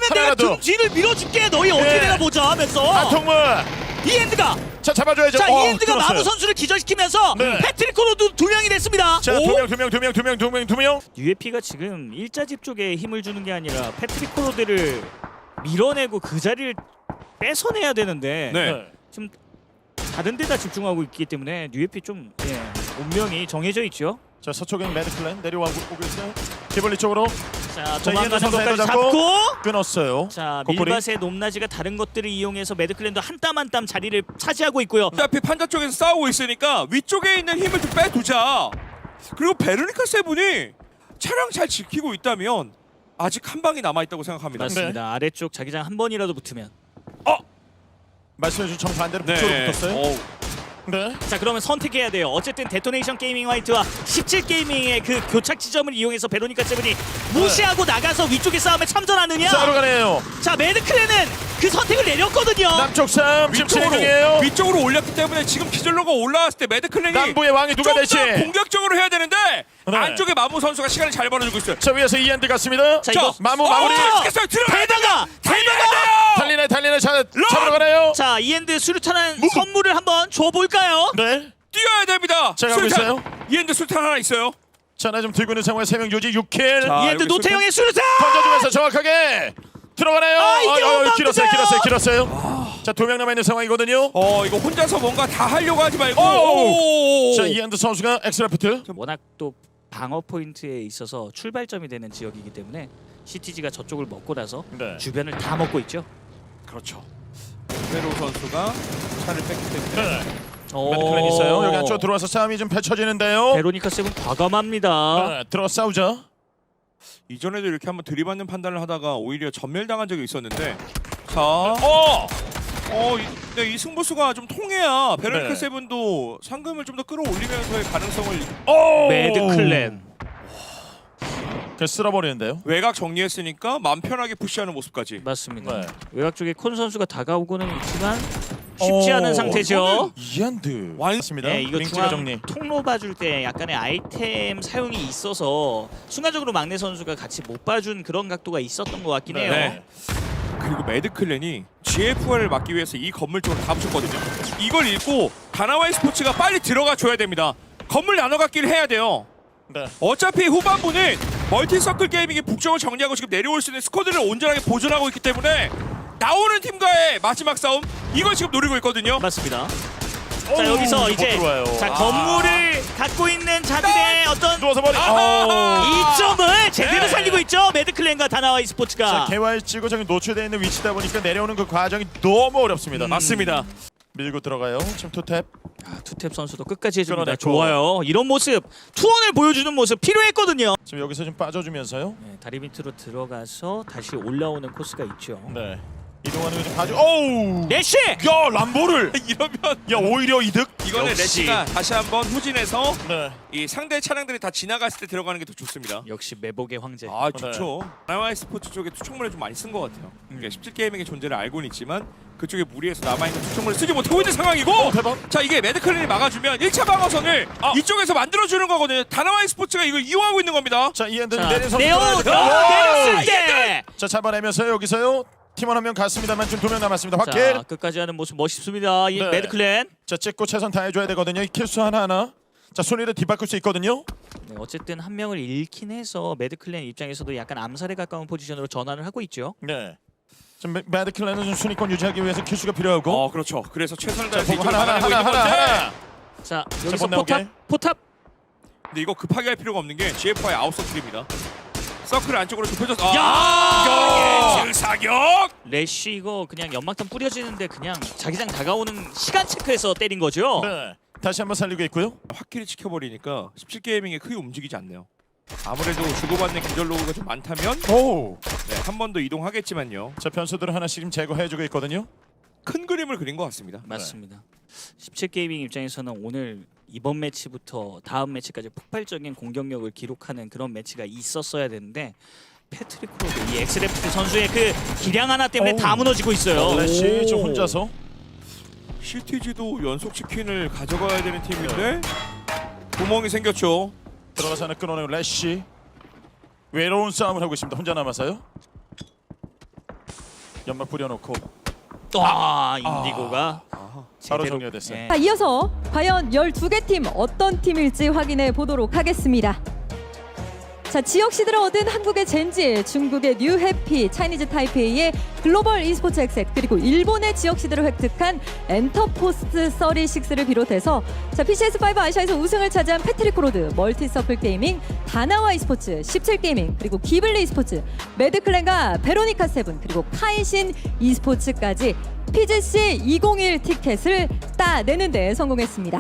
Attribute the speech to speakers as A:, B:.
A: 내가
B: 하나라도.
A: 등 뒤를 밀어줄게. 너희 어떻게
B: 예.
A: 되나 보자 하면서
B: 한통문.
A: 이엔드가
B: 자 잡아줘야죠.
A: 자 이엔드가
B: 끊었어요.
A: 마무 선수를 기절시키면서
B: 네.
A: 패트릭 코로도 2명이 됐습니다.
B: 자, 두 명.
A: UFP가 지금 일자집 쪽에 힘을 주는 게 아니라 패트릭 코로드를 밀어내고 그 자리를 뺏어내야 되는데
C: 네.
A: 지금 다른 데다 집중하고 있기 때문에 UFP 좀 운명이 정해져 있죠.
B: 자, 서쪽엔 매드클랜 내려오고 있어요. 기벌리 쪽으로
A: 자
B: 자, 이엔드
A: 도망가는
B: 선수
A: 것까지
B: 헤더
A: 잡고
B: 끊었어요.
A: 자
B: 코코리.
A: 밀밭의 높낮이가 다른 것들을 이용해서 매드클랜도 한 땀 한 땀 자리를 차지하고 있고요.
C: 어차피 판자 쪽에서 싸우고 있으니까 위쪽에 있는 힘을 좀 빼두자. 그리고 베르니카 세븐이 차량 잘 지키고 있다면 아직 한 방이 남아있다고 생각합니다.
A: 맞습니다. 아래쪽 자기장 한 번이라도 붙으면
B: 말씀해준 정반대로
C: 네.
B: 북쪽으로 붙었어요.
C: 어우,
B: 네.
A: 자 그러면 선택해야 돼요. 어쨌든 데토네이션 게이밍 화이트와 17게이밍의 그 교착 지점을 이용해서 베로니카 세븐이 무시하고 나가서 위쪽의 싸움에 참전하느냐.
B: 싸우러 가네요.
A: 자 매드클랜은 그 선택을 내렸거든요.
B: 남쪽 섬 지금 진행 중이에요.
C: 위쪽으로 올렸기 때문에 지금 기절로가 올라왔을 때 매드클랜이
B: 남부의 왕이 누가 될지.
C: 좀더 공격적으로 해야 되는데
B: 네.
C: 안쪽에 마무 선수가 시간을 잘 벌어주고 있어요.
B: 자, 위에서 이엔드 갔습니다.
A: 자, 이거
B: 마무 마무리.
C: 시켰어요. 들어가야
A: 대다가
C: 돼요.
B: 달리네. 자, 잡으러 가네요.
A: 자 이엔드 수류탄한 선물을 한번 줘볼까요?
B: 네.
C: 뛰어야 됩니다.
B: 자, 가고
C: 술탄.
B: 있어요.
C: 이엔드 술탄 하나 있어요.
B: 자, 나 좀 들고 있는 상황에 3명 유지 6킬.
C: 자,
A: 이엔드
C: 여기
A: 노태영의 수류탄.
B: 던져주면서 정확하게 들어가네요.
A: 아, 이게 엄마인데요?
B: 길었어요. 자, 2명 남아 있는 상황이거든요.
C: 이거 혼자서 뭔가 다 하려고 하지 말고.
B: 오! 자, 이엔드 선수가 엑스라프트.
A: 워낙 또 방어 포인트에 있어서 출발점이 되는 지역이기 때문에 CTG가 저쪽을 먹고 나서
B: 네.
A: 주변을 다 먹고 있죠.
C: 그렇죠. 페로 선수가 차를 뺐기 때문에
B: 네. 매드클랜 있어요. 여기 안쪽으로 들어와서 싸움이 좀 펼쳐지는데요.
A: 베로니카 세븐 과감합니다.
B: 네, 들어 싸우자.
C: 이전에도 이렇게 한번 들이받는 판단을 하다가 오히려 전멸당한 적이 있었는데 자, 이 승부수가 좀 통해야 베르니카
B: 네.
C: 세븐도 상금을 좀 더 끌어올리면서의 가능성을
A: 매드클랜.
B: 그냥 쓸어버리는데요.
C: 외곽 정리했으니까 맘 편하게 푸시하는 모습까지.
A: 맞습니다.
B: 네.
A: 외곽 쪽에 콘 선수가 다가오고는 있지만 쉽지 않은 상태죠.
B: 이엔드
C: 완-
B: 맞습니다.
A: 네, 이거
B: 링치가
A: 중앙
B: 정리.
A: 통로 봐줄 때 약간의 아이템 사용이 있어서 순간적으로 막내 선수가 같이 못 봐준 그런 각도가 있었던 것 같긴 해요.
C: 네. 그리고 매드클랜이 GFR을 막기 위해서 이 건물 쪽으로 다 붙였거든요. 이걸 읽고 다나와이 스포츠가 빨리 들어가 줘야 됩니다. 건물 나눠 갖기를 해야 돼요.
B: 네.
C: 어차피 후반부는 멀티서클 게이밍이 북쪽을 정리하고 지금 내려올 수 있는 스쿼드를 온전하게 보존하고 있기 때문에 나오는 팀과의 마지막 싸움 이걸 지금 노리고 있거든요.
A: 맞습니다. 자
B: 어우,
A: 여기서
B: 못
A: 이제
B: 들어와요.
A: 자 건물을 갖고 있는 자들의 어떤
B: 누워서 머리.
A: 이점을 제대로
C: 네.
A: 살리고 있죠. 매드클랜과 다나와이 스포츠가.
B: 자, 개활지구 저기 노출되어 있는 위치다 보니까 내려오는 그 과정이 너무 어렵습니다.
C: 맞습니다.
B: 밀고 들어가요. 지금 투탭.
A: 투탭 선수도 끝까지 해줍니다.
B: 끌어냈고.
A: 좋아요. 이런 모습, 투혼을 보여주는 모습 필요했거든요.
B: 지금 여기서 좀 빠져주면서요.
A: 네, 다리 밑으로 들어가서 다시 올라오는 코스가 있죠.
B: 네. 이동하는 거 좀 봐줘. 오우.
A: 내쉬!
B: 야, 람보를.
C: 이러면
B: 야, 오히려 이득.
C: 이거는
A: 역시.
C: 레시가 다시 한번 후진해서
B: 네.
C: 이 상대 차량들이 다 지나갔을 때 들어가는 게 더 좋습니다.
A: 역시 매복의 황제.
C: 아 좋죠. 다나와이 스포츠 쪽에 투척물을 좀 많이 쓴 것 같아요. 그러니까 17게이밍의 존재를 알고는 있지만 그쪽에 무리해서 남아있는 투척물을 쓰지 못하고 있는 상황이고
B: 대박.
C: 자 이게 매드클랜이 막아주면 1차 방어선을 이쪽에서 만들어주는 거거든요. 다나와이 스포츠가 이걸 이용하고 있는 겁니다.
B: 자, 이엔드
A: 자,
B: 내린 선수.
A: 내렸을 때!
B: 자, 잡아내면서요. 여기서요. 팀원 한 명 갔습니다만 지금 2명 남았습니다.
A: 자,
B: 확킬.
A: 끝까지 하는 모습 멋있습니다. 이
B: 네.
A: 매드클랜.
B: 자, 찍고 최선 다해줘야 되거든요. 이 킬수 하나하나. 자, 순위를 뒤바꿀 수 있거든요.
A: 네, 어쨌든 한 명을 잃긴 해서 매드클랜 입장에서도 약간 암살에 가까운 포지션으로 전환을 하고 있죠.
B: 네. 지금 매드클랜은 좀 순위권 유지하기 위해서 킬수가 필요하고.
C: 그렇죠. 그래서 최선을
B: 자,
C: 다해서
B: 보고
C: 이쪽을 막아내고 있는 건데
A: 자, 여기서
B: 못 나오게.
A: 포탑.
C: 근데 이거 급하게 할 필요가 없는 게 GFI 아웃서클입니다. 서클 안쪽으로 좁혀져서
A: 야!
C: 사격!
A: 래쉬 이거 그냥 연막탄 뿌려지는데 그냥 자기장 다가오는 시간 체크해서 때린 거죠.
B: 네. 다시 한번 살리고 있고요.
C: 확실히 지켜버리니까 17게이밍이 크게 움직이지 않네요. 아무래도 주고받는 기절 로그가 좀 많다면
B: 오.
C: 한 번 더 이동하겠지만요.
B: 자, 변수들을 하나씩 지금 제거해주고 있거든요.
C: 큰 그림을 그린 것 같습니다.
A: 맞습니다. 17게이밍 입장에서는 오늘 이번 매치부터 다음 매치까지 폭발적인 공격력을 기록하는 그런 매치가 있었어야 되는데 패트릭 크로드 이 엑스레프트 선수의 그 기량 하나 때문에 다 무너지고 있어요.
B: 레시 좀 혼자서.
C: CTG도 연속 치킨을 가져가야 되는 팀인데 구멍이 생겼죠.
B: 들어가서 하나 끊어내고 레시. 외로운 싸움을 하고 있습니다. 혼자 남아서요. 연막 뿌려놓고
A: 와 인디고가
C: 아하.
B: 바로
A: 제대로
B: 정리가 됐어요.
A: 예.
D: 자, 이어서 과연 12개 팀 어떤 팀일지 확인해 보도록 하겠습니다. 자, 지역 시드를 얻은 한국의 젠지, 중국의 뉴해피, 차이니즈 타이페이의 글로벌 e스포츠 엑셋, 그리고 일본의 지역 시드를 획득한 엔터포스트 36를 비롯해서 자, PCS5 아시아에서 우승을 차지한 패트리코로드, 멀티서클 게이밍, 다나와 e스포츠, 17게이밍, 그리고 기블리 e스포츠, 매드클랜과 베로니카 세븐, 그리고 카이신 e스포츠까지 PGC 201 티켓을 따내는 데 성공했습니다.